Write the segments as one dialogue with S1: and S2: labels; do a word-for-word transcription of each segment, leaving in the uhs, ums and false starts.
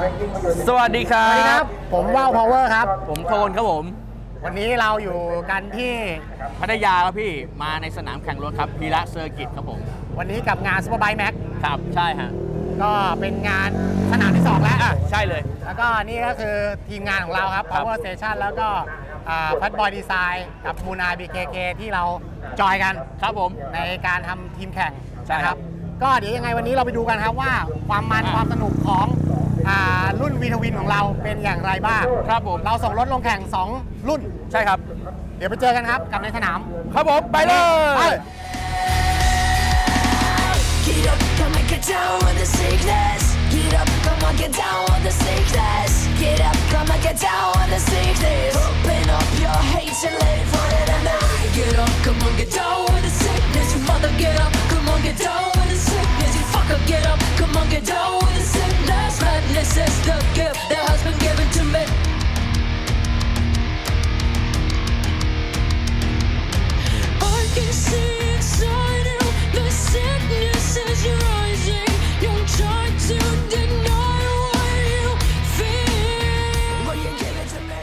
S1: สวัสดีครั
S2: สวัสดีครับ บผมว่าวพาวเวอร์ครับ
S1: ผมโทนครับผม
S2: วันนี้เราอยู่กันที่
S1: พัทยาครับพี่มาในสนามแข่งรถครับพีระเซอร์กิตครับผม
S2: วันนี้กับงานซูเปอร์ไบค์แม็ก
S1: ครับใช่ฮะ
S2: ก็เป็นงานสนามที่สองแล้ว
S1: อ่ะใช่เลย
S2: แล้วก็นี่ก็คือทีมงานของเราครับ
S1: ครับ
S2: Power Station แล้วก็พัดบอยดีไซน์กับมูนา บี เค เค ที่เราจอยกัน
S1: ครับผม
S2: ในการทำทีมแข่ง
S1: ใช่ครับ
S2: ก็เดี๋ยวยังไงวันนี้เราไปดูกันครับว่าความมัน
S1: อ่ะ
S2: ความสนุกของอ่ารุ่นวีทวินของเราเป็นอย่างไรบ้าง
S1: ครับผม
S2: เราส่งรถลงแข่งสองรุ่น
S1: ใช่ครับ
S2: เดี๋ยวไปเจอกันครับกับในสนาม
S1: ครับผมไปเลย
S3: Get up, come and get down with the sickness. Get up, come on, get down with the sickness. Get up, come and get down with the sickness. Open up your hate and let it for it tonight. Get up, come on, get down with the sickness. You mother, get up, come on, get down with the sickness. You fucker, get up, come on, get down with the sickness. Madness is the gift that has been given to me. I can see inside you, the sickness is rising. Don't try to deny what you feel. What you give it to me.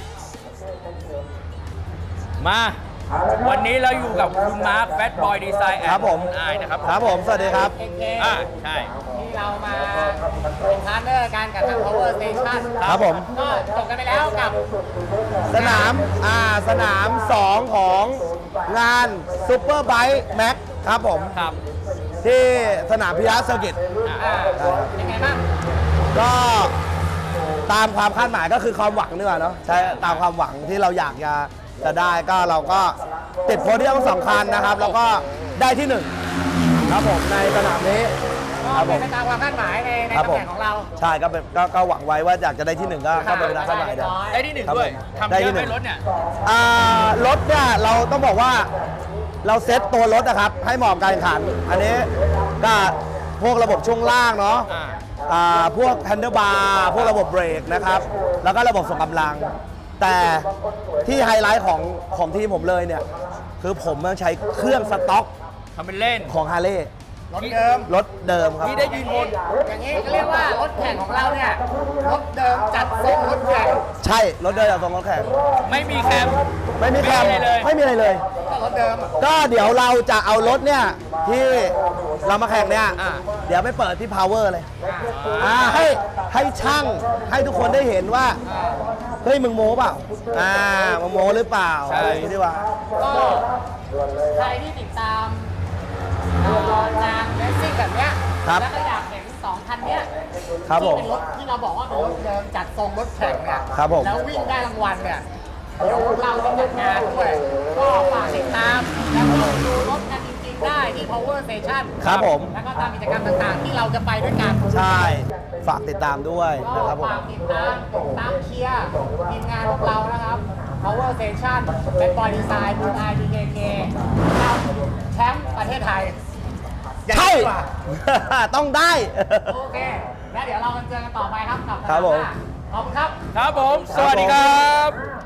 S1: มาวันนี้เราอยู่กับคุณมาร์คแฟตบอยดีไซน์
S4: ครับผม
S1: ไอนะครับ
S4: ครับผม สวัสดีครับ
S2: เค เค
S1: อ่าใช่
S2: ที่เรามาเป็นพาร์ทเนอร์กันกับทาง Power Station
S4: ครับผม
S2: ก็จบกันไปแล้วกับ
S4: สนามอ่าสนามสองของงานซูเปอร์ไบค์แม็กครับผม
S1: ครับ
S4: ที่สนามพิยาเซอร์กิต
S2: อ่ายังไงบ้าง
S4: ก็ตามความคาดหมายก็คือความหวังนี่แหละเนาะใช่ตามความหวังที่เราอยากจะจะได้ก็เราก็ติดโพเดียมสำคัญนะครับ แล้วก็ได้ที่หนึ่งครับผมในสนามนี้
S2: ก็
S4: ครับผ
S2: เป็น
S4: ม
S2: ไปตามความคาดหมายในใน
S4: ครับ
S2: ตำ
S4: ผ
S2: แห
S4: ม
S2: น่งของเรา
S4: ใช่ก็เป็นก็ก็หวังไว้ว่าอยากจะได้ที่หนึ่งก็ก็เป็นไปตามคาดหมาย
S2: เรี
S4: เดี
S2: ย
S4: ยว
S2: บร้อย
S1: ได้ที่หนึ่ง
S4: ครับ
S1: ด้วย
S4: ผม
S1: ทำ
S4: ได้
S1: เย
S4: ที่
S1: อะ
S4: หนึ่
S1: ไหม
S4: ง
S1: รถเนี่ย
S4: อ่ารถเนี่ยเราต้องบอกว่าเราเซ็ตตัวรถนะครับให้เหมาะกับการแข่งขัน อันนี้ก็พวกระบบช่วงล่างเนาะ
S1: อ่า
S4: อ่าพวกแฮนเดิลบาร์พวกระบบเบรกนะครับ แล้วก็ระบบส่งกำลัง แต่ที่ไฮไลท์ของของทีมผมเลยเนี่ย คือผมต้องใช้เครื่องสต็อก
S1: ทำเป็นเล่น
S4: ของฮาร์เลย์
S2: รถเดิม
S4: รถเดิมครับ
S1: ที่ได้ยืนบน
S2: อย่างนี้ก็เรียกว่ารถแข่งของเราเนี่ยรถเดิมจัดทรงรถแข่ง
S4: ใช่ รถเดิมจากตรงรถแข่ง
S1: ไม่มีแคม
S4: ไม่มีแคม
S1: ไม่มีอะไรเลย
S4: ไม่มีอะไรเลย
S2: ก็รถเดิมอะ
S4: ก็เดี๋ยวเราจะเอารถเนี่ยที่เรามาแข่งเนี่ย
S1: อ่า
S4: เดี๋ยวไปเปิดที่ Power เลยอ่าให้ให้ช่างให้ทุกคนได้เห็นว่าเฮ้ยมึงโม้เปล่าอ่ามึงโม้หรือเปล่า
S1: ใช่
S4: อะไรอย่างนี้ดีกว่า
S2: ก็ใครที่ติดตามเอ่องานเลสซิ่งแบบเนี้ย
S4: ครับ
S2: แล้วก็อยากเห็นสองคันเนี้ย
S4: ครับผม
S2: ที่เป็นรถที่เราบอกว่าเป็นรถเดิมจัดทรงรถแข่งเนี่ย
S4: ครับผม
S2: แล้ววิ่งได้รางวัลเนี่ยเดี๋ยวเราจะจัดงานด้วยก็ฝากติดตามแล้วก็ดูรถกันจริงๆได้ที่ Power Station
S4: ครับผม
S2: แล้วก็ตามกิจกรรมต่างๆ ที่เราจะไปด้วยกัน
S4: ใช่ฝากติดตามด้วย
S2: ก็
S4: นะครับผม
S2: ฝากติดตามติดตามเชียร์ทีมงานพวกเรานะครับ Power Station เป็นบอยดีไซน์บูนไอ บี เค เคแชมป์ประเทศไทย
S4: ใช่
S2: อย่างนี้ดีกว่า
S4: ต้องได้
S2: โอเค แล้วเดี๋ยวเรามาเจอกันต่อไปครับกับ
S4: ครับผม
S2: หน้าขอบคุณครับ
S1: ครับผม สวัสดีครับ